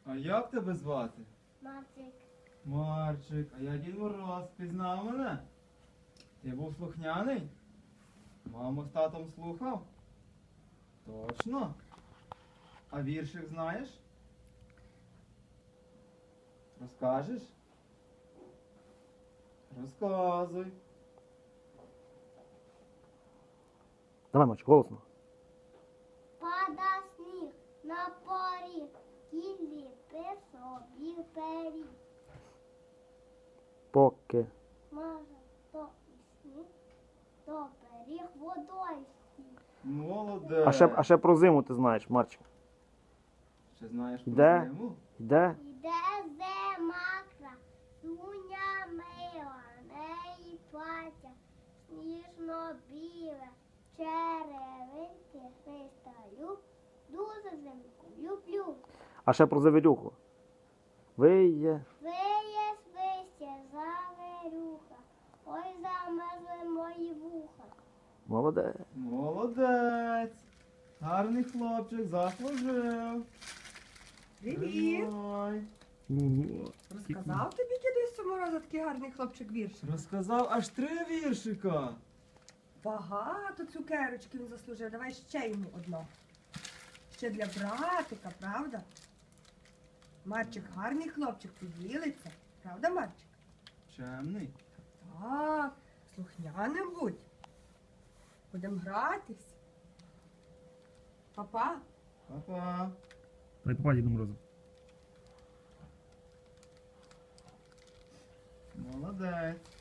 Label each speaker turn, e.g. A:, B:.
A: А як тебе звати?
B: Марчик.
A: Марчик, а я Дід Мороз, пізнав мене? Ти був слухняний? Маму з татом слухав? Точно? А віршик знаєш? Розкажеш? Розказуй.
C: Давай, Марчик, голосно.
B: Пада сніг на поріг, кінь ліпив собі пиріг.
C: Поки.
B: Може, то і сніг, то пиріг водою стіг.
A: Молодець.
C: А ще про зиму ти знаєш, Марчик.
A: Ще знаєш про
C: Де?
A: зиму?
C: Йде?
B: Іде зима красуня мила, неї плаття сніжно-біле, черевинки христаю, дуже зимку люблю.
C: А ще про завірюху. Виє.
B: Виє свище заверюха, ой замерзли мої вуха.
C: Молодець.
A: Молодець. Гарний хлопчик, заслужив.
D: Привіт!
A: Тримай.
D: Розказав тобі дідусь Мороза такий гарний хлопчик вірш?
A: Розказав аж 3 віршика.
D: Багато цукерочки він заслужив. Давай ще йому одно. Ще для братика, правда? Марчик гарний хлопчик, поділиться. Правда, Марчик?
A: Чемний.
D: Так, слухняним будь. Будемо гратись. Папа.
A: Па-па.
C: Дай попа Діду Морозу.
A: Молодець.